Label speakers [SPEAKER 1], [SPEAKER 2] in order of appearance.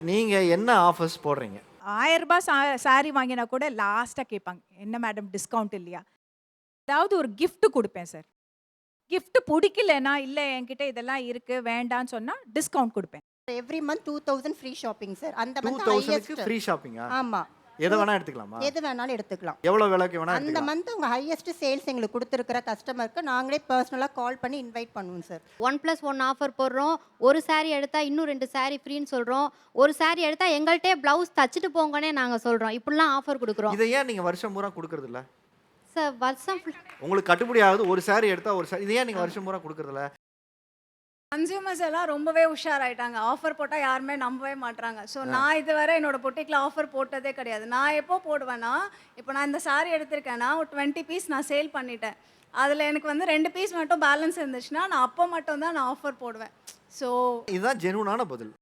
[SPEAKER 1] நீங்க என்ன ஆஃபர்ஸ் போடுறீங்க?
[SPEAKER 2] ரூ. 1000 சாரி வாங்கினா கூட லாஸ்ட்டா கேட்பாங்க. என்ன மேடம் டிஸ்கவுண்ட் இல்லையா? ஏதாவது ஒரு கிஃப்ட் குடுப்பேன் சார். கிஃப்ட் புடிக்கலன்னா, இல்ல என்கிட்ட இதெல்லாம் இருக்கு வேண்டான்னு சொன்னா டிஸ்கவுண்ட் குடுப்பேன்.
[SPEAKER 3] Every month 2000 free shopping sir. அந்த மந்த்
[SPEAKER 1] 2000க்கு
[SPEAKER 3] ஹையஸ்ட்.
[SPEAKER 1] ஃப்ரீ ஷாப்பிங்கா?
[SPEAKER 3] ஆமா.
[SPEAKER 1] எத வேணா எடுத்துக்கலாமா?
[SPEAKER 3] எது வேணாலும் எடுத்துக்கலாம்.
[SPEAKER 1] எவ்வளோ விலைக்கு வேணா
[SPEAKER 3] அந்த
[SPEAKER 1] எடுத்துக்கலாம்.
[SPEAKER 3] மந்த் உங்க ஹையஸ்ட் சேல்ஸ் எங்களுக்கு குடுத்திருக்கிற கஸ்டமருக்கு நாங்களே பெர்சனலா கால் பண்ணி இன்வைட் பண்ணுவோம் சார்.
[SPEAKER 4] 1+1 ஆஃபர் போடுறோம். ஒரு சாரி எடுத்தா இன்னும் 2 சாரி ஃப்ரீன்னு சொல்றோம். ஒரு சாரி எடுத்தா எங்கள்ட்டயே ப்ளவுஸ் தச்சுட்டு போங்கன்னே நாங்க சொல்றோம். இப்படிலாம் ஆஃபர் குடுக்குறோம்.
[SPEAKER 1] இத ஏன் நீங்க வருஷம் பூரா குடுக்குறது இல்ல?
[SPEAKER 4] சார் வருஷம்
[SPEAKER 1] உங்களுக்கு கட்டுப்படி ஆகுது. ஒரு சாரி எடுத்தா ஒரு சாரி. இத ஏன் நீங்க வருஷம் பூரா குடுக்குறது இல்ல?
[SPEAKER 5] கன்சியூமர்ஸ் எல்லாம் ரொம்பவே உஷாராயிட்டாங்க. ஆஃபர் போட்டா யாருமே நம்பவே மாட்றாங்க. ஸோ நான் இதுவரை என்னோட பொட்டிக்ல ஆஃபர் போட்டதே கிடையாது. நான் எப்போ போடுவேன்னா, இப்போ நான் இந்த சாரி எடுத்திருக்கேன்னா, ஒரு 20 பீஸ் நான் சேல் பண்ணிட்டேன். அதில எனக்கு வந்து 2 பீஸ் மட்டும் பேலன்ஸ் இருந்துச்சுன்னா, நான் அப்போ மட்டும் தான் நான் ஆஃபர் போடுவேன். ஸோ
[SPEAKER 1] இதுதான் ஜெனூனான பதில்.